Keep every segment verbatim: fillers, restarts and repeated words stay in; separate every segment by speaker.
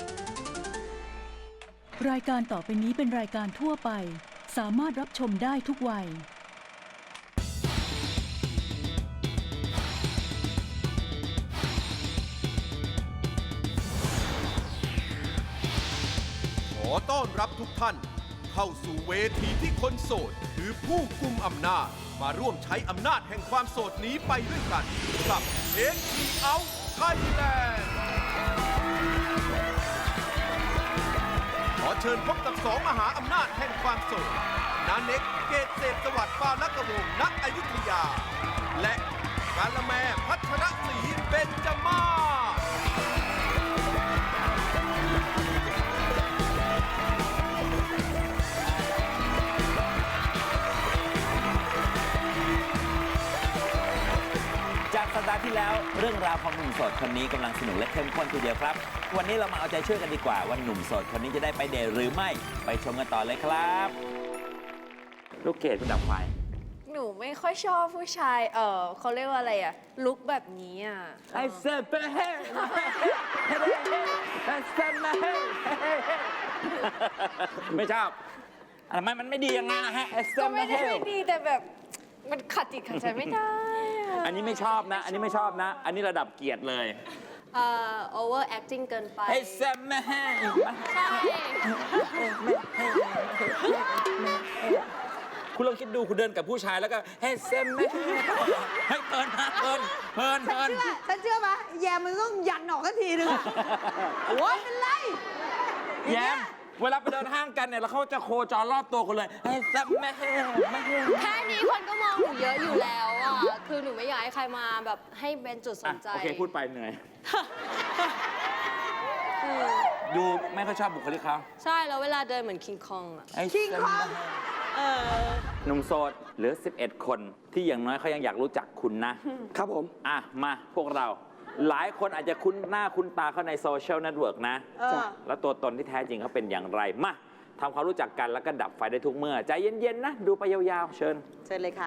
Speaker 1: รายการต่อไปนี้เป็นรายการทั่วไปสามารถรับชมได้ทุกวัย
Speaker 2: ขอต้อนรับทุกท่านเข้าสู่เวทีที่คนโสดคือผู้กุมอำนาจมาร่วมใช้อำนาจแห่งความโสดนี้ไปด้วยกันกับ เอ็น ที เอาท์ Thailand ขอเชิญพบกับสองมหาอำนาจแห่งความโสดนาเน็กเกตเศรษฐสวัสดิ์ปาลกวงศ์ณอยุธยาและกาละแมพัชรศรีเบญจมาศ
Speaker 3: จากสัปดาห์ที่แล้วเรื่องราวของหนุ่มโสดคนนี้กำลังสนุกและเข้มข้นทีเดียวครับวันนี้เรามาเอาใจช่วยกันดีกว่าว่าหนุ่มโสดคนนี้จะได้ไปเดทหรือไม่ไปชมกันต่อเลยครับลูกเกดคุณดับไฟ
Speaker 4: หนูไม่ค่อยชอบผู้ชายเออเขาเรียกว่าอะไรอะลุคแบบนี้อะ
Speaker 3: ไอเซเปเฮไอเซมาเฮไม่ชอบทำไมมันไม่ดียังไงนะฮะไอเซ
Speaker 4: ก็
Speaker 3: มา
Speaker 4: ไม่
Speaker 3: เฮ
Speaker 4: ได้ไม่ดีแต่แบบมันขัดจิตขัดใจไม่ได้อะ
Speaker 3: อันนี้ไม่ชอบนะอันนี้ไม่ชอบนะอันนี้ระดับเกียรติเลย
Speaker 4: เอ่อ over acting เกินไป
Speaker 3: ไอเซมาเฮ
Speaker 4: ใช่
Speaker 3: คุณลองคิดดูคุณเดินกับผู้ชายแล้วก็เฮ้เซมไม่ให้เพลินนะเพลินเพลินเพลิน
Speaker 5: ฉันเชื่อไหมแยมมันต้องยันออกกันทีนึงโอ้ยเป็นไร
Speaker 3: แยมเวลาไปเดินห้างกันเนี่ยแล้วเขาจะโคจรรอบตัวคุณเลยเฮ้เซมไม่ไม่
Speaker 4: แค่นี้คนก็มองหนูเยอะอยู่แล้วอ่ะคือหนูไม่อยากให้ใครมาแบบให้เป็นจุดสนใจ
Speaker 3: โอเคพูดไปเหนื่อยดูไม่ค่อยชอบบุคลิกเขา
Speaker 4: ใช่แล้วเวลาเดินเหมือนคิงคองอ่ะ
Speaker 5: คิงคอง
Speaker 3: หนุ่มโสดเหลือสิบเอ็ดคนที่อย่างน้อยเขายังอยากรู้จักคุณนะครับผมอ่ะมาพวกเราหลายคนอาจจะคุ้นหน้าคุ้นตาเขาในโซเชียลเน็ตเวิร์กนะแล้วตัวตนที่แท้จริงเขาเป็นอย่างไรมาทำความรู้จักกันแล้วก็ดับไฟได้ทุกเมื่อใจเย็นๆนะดูไปยาวๆเชิญ
Speaker 5: เชิญเลยค่ะ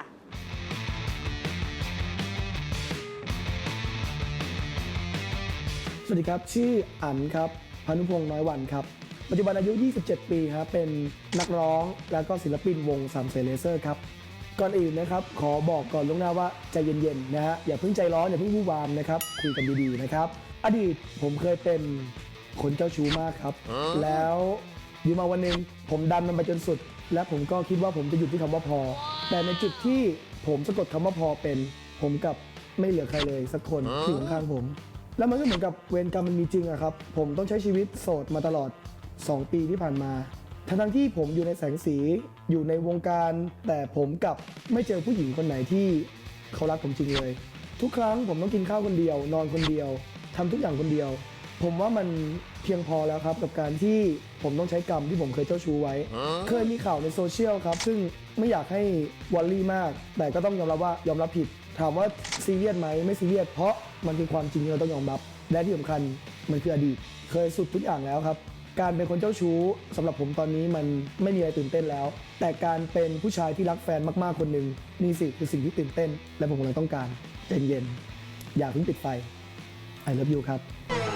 Speaker 6: สวัสดีครับชื่ออั๋นครับพานุพงษ์น้อยวันครับปัจจุบันอายุยี่สิบเจ็ดปีครับเป็นนักร้องแล้วก็ศิลปินวงสามเสนเลเซอร์ครับก่อนอื่นนะครับขอบอกก่อนล่วงหน้าว่าใจเย็นๆนะฮะอย่าเพิ่งใจร้อนอย่าเพิ่งวู่วามนะครับคุยกันดีๆนะครับอดีตผมเคยเป็นคนเจ้าชู้มากครับแล้วอยู่มาวันหนึ่งผมดันมันไปจนสุดและผมก็คิดว่าผมจะหยุดที่คำว่าพอแต่ในจุดที่ผมสะกดคำว่าพอเป็นผมกับไม่เหลือใครเลยสักคนที่อยู่ข้างผมแล้วมันก็เหมือนกับเวรกรรมมันมีจริงอะครับผมต้องใช้ชีวิตโสดมาตลอดสองปีที่ผ่านมาทั้งที่ผมอยู่ในแสงสีอยู่ในวงการแต่ผมกลับไม่เจอผู้หญิงคนไหนที่เขารักผมจริงเลยทุกครั้งผมต้องกินข้าวคนเดียวนอนคนเดียวทำทุกอย่างคนเดียวผมว่ามันเพียงพอแล้วครับกับการที่ผมต้องใช้กรรมที่ผมเคยเจ้าชู้ไว้เคยมีข่าวในโซเชียลครับซึ่งไม่อยากให้วอลลี่มากแต่ก็ต้องยอมรับว่ายอมรับผิดถามว่าซีเรียสไหมไม่ซีเรียสเพราะมันเป็นความจริงที่เราต้องยอมรับและที่สำคัญมันคืออดีตเคยสุดทุกอย่างแล้วครับการเป็นคนเจ้าชู้สำหรับผมตอนนี้มันไม่มีอะไรตื่นเต้นแล้วแต่การเป็นผู้ชายที่รักแฟนมากๆคนหนึ่งนี่สิคือสิ่งที่ตื่นเต้นและผมกำลังต้องการใจเย็นอย่าเพิ่งปิดไฟ I love you ครับ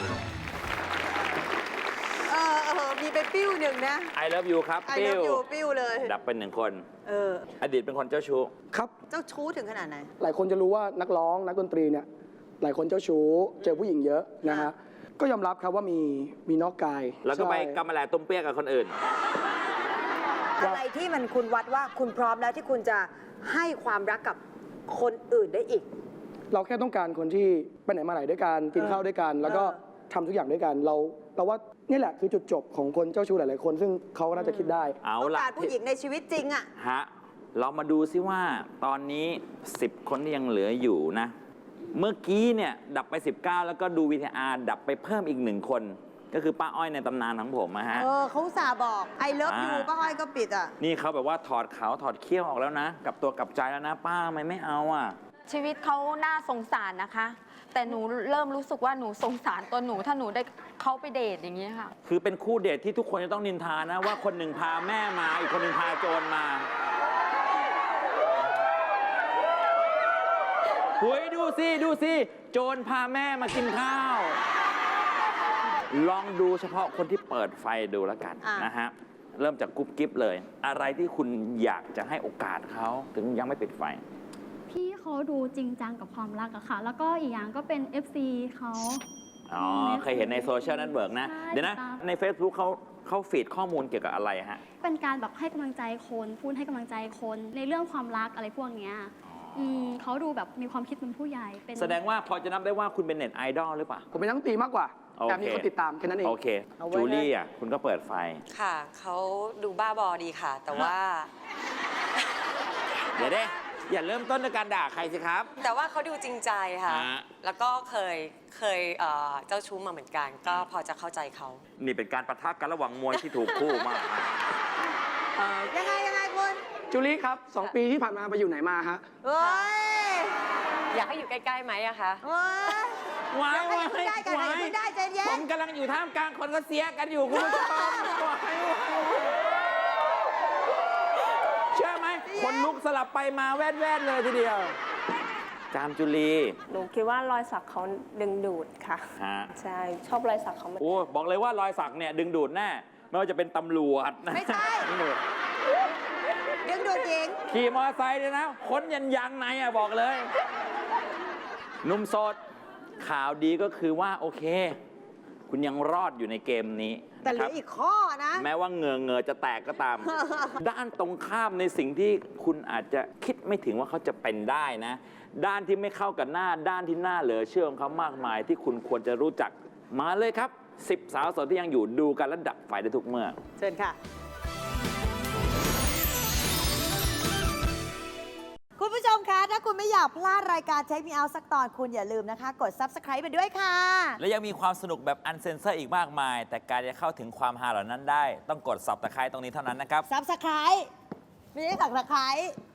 Speaker 5: เออเออมีไปปิ้วหนึ่งนะ
Speaker 3: I love you ครับ
Speaker 5: I love you ปิ้วเลย
Speaker 3: ดับเป็นหนึ่งคน
Speaker 5: เออ
Speaker 3: อดีตเป็นคนเจ้าชู้
Speaker 6: ครับ
Speaker 5: เจ้าชู้ถึงขนาดไหน
Speaker 6: หลายคนจะรู้ว่านักร้องนักดนตรีเนี่ยหลายคนเจ้าชู้เจอผู้หญิงเยอะนะฮะก็ยอมรับครับว่ามีมีนอกกาย
Speaker 3: แล้วก็ไปกำมะแหลต้มเปี้ยกับคนอื่น
Speaker 5: อะไรที่มันคุณวัดว่าคุณพร้อมแล้วที่คุณจะให้ความรักกับคนอื่นได้อีก
Speaker 6: เราแค่ต้องการคนที่ไปไหนมาไหนด้วยกันกินข้าวด้วยกันแล้วก็ทำทุกอย่างด้วยกันเราเราว่านี่แหละคือจุดจบของคนเจ้าชู้หลายๆคนซึ่งเขาก็น่าจะคิดได้
Speaker 3: เอา
Speaker 5: ล่ะต้องการผู้หญิงในชีวิตจริงอะ
Speaker 3: ฮะเรามาดูซิว่าตอนนี้สิบคนที่ยังเหลืออยู่นะเมื่อกี้เนี่ยดับไปสิบเก้าแล้วก็ดู วี ที อาร์ ดับไปเพิ่มอีกหนึ่งคนก็คือป้าอ้อยในตำนานของผมนะฮะ
Speaker 5: เออเขาสาบอกไอเลิฟยูป้าอ้อยก็ปิดอ่ะ
Speaker 3: นี่เขาแบบว่าถอดเขาถอดเขี้ยวออกแล้วนะกับตัวกับใจแล้วนะป้าทำไมไม่เอาอ่ะ
Speaker 7: ชีวิตเขาน่าสงสารนะคะแต่หนูเริ่มรู้สึกว่าหนูสงสารตัวหนูถ้าหนูได้เขาไปเดทอย่างนี้ค่ะ
Speaker 3: คือเป็นคู่เดทที่ทุกคนจะต้องนินทานะว่าคนหนึ่งพาแม่มาอีกคนหนึ่งพาโจรมาหุยดูสิดูสิโจรพาแม่มากินข้าวลองดูเฉพาะคนที่เปิดไฟดูแล้วกัน
Speaker 5: อ่ะ
Speaker 3: นะฮะ เริ่มจากกุ๊บกิ๊บเลย อะไรที่คุณอยากจะให้โอกาสเขาถึงยังไม่ปิดไฟ
Speaker 8: พี่เขาดูจริงจังกับความรักอะค่ะ แล้วก็อีกอย่างก็เป็น เอฟ ซี เขา
Speaker 3: อ๋อ เคยเห็นในโซเชียลเน็ตเวิร์กนะ
Speaker 8: ใช่
Speaker 3: เดี๋ยวนะ
Speaker 8: ตาม
Speaker 3: ใน Facebook เขาเขาฟีดข้อมูลเกี่ยวกับอะไรฮะ
Speaker 8: เป็นการแบบให้กำลังใจคน พูดให้กำลังใจคน ในเรื่องความรักอะไรพวกเนี้ยอืมเขาดูแบบมีความคิดเป็นผู้ใหญ่ เป็น
Speaker 3: แสดงว่าพอจะนับได้ว่าคุณเป็นเน็ตไอดอลหรือเปล่า
Speaker 9: ผมเป็นนักดนตรีมากกว่า
Speaker 3: โอเค
Speaker 9: แต่มีคนติดตามแค่นั้นเอง
Speaker 3: โอเค
Speaker 5: เอาไว้
Speaker 3: จูลี่อ่ะ คุณก็เปิดไฟ
Speaker 10: ค่ะ เขาดูบ้าบอดีค่ะ แต่ว่า
Speaker 3: เดี๋ยวเด้อย่าเริ่มต้นด้วยการด่าใครสิครับ
Speaker 10: แต่ว่าเขาดูจริงใจค่ะ
Speaker 3: ฮะ
Speaker 10: แล้วก็เคยเคยเอ่อเจ้าชู้มาเหมือนกัน ก็พอจะเข้าใจเขา
Speaker 3: นี่เป็นการปะทะกันระหว่างมวยที่ถูกคู่มาก
Speaker 5: ยังไงยังไงคุณ
Speaker 9: จูลี่ครับสองปีที่ผ่านมาไปอยู่ไหนมาฮะ
Speaker 5: เฮ้ย
Speaker 10: อยากให้อยู่ใกล้ๆไหมอะคะ
Speaker 5: เฮ้ย
Speaker 3: ว้าย
Speaker 5: ยังไม่ได้กัน
Speaker 3: ว้าย
Speaker 5: ยังไม่ได้ใจเย็น
Speaker 3: ผมกำลังอยู่ท่ามกลางคนก็เสียกันอยู่คุณผู้ชมว้ายเชื่อไหม คนลุกสลับไปมาแว่นๆเลยทีเดียว จามจุลี
Speaker 11: หนูคิดว่ารอยสักเขาดึงดูดค่ะ
Speaker 3: ฮะ
Speaker 11: ใช่ ชอบรอยสักเขามาก
Speaker 3: โอ้บอกเลยว่ารอยสักเนี่ยดึงดูดแน่ ไม่ว่าจะเป็นตำรวจนะ
Speaker 5: ไม่ใช่
Speaker 3: ดึงดูด
Speaker 5: ดึงดูดหญิง
Speaker 3: ขี่มอเตอร์ไซค์เนี่ยนะค้นยันยางในอ่ะบอกเลยหนุ่มโสดข่าวดีก็คือว่าโอเค คุณยังรอดอยู่ในเกมนี้
Speaker 5: แต่เหลื
Speaker 3: นะค
Speaker 5: อ
Speaker 3: รับ
Speaker 5: อีกข้อนะ
Speaker 3: แม้ว่าเหงือเงอจะแตกก็ตาม ด้านตรงข้ามในสิ่งที่คุณอาจจะคิดไม่ถึงว่าเขาจะเป็นได้นะ ด้านที่ไม่เข้ากับหน้า ด้านที่น่าเหลือเชื่อของเขามากมาย ที่คุณควรจะรู้จักมาเลยครับสิบสาวโสดที่ยังอยู่ดูกันและดับไฟได้ทุกเมื่อ
Speaker 5: เชิญค่ะ คุณผู้ชมคะ ถ้าคุณไม่อยากพลาดรายการเช็คมีเอาสักตอนคุณอย่าลืมนะคะ กด ซับสไครบ์ ไปด้วยค่ะ
Speaker 3: และยังมีความสนุกแบบอันเซนเซอร์อีกมากมาย แต่การจะเข้าถึงความฮาเหล่านั้นได้ ต้องกดสับตะไคร้ตรงนี้เท่านั้นนะครับ
Speaker 5: ซับสไครบ์ไม่ใช่สักตะไคร้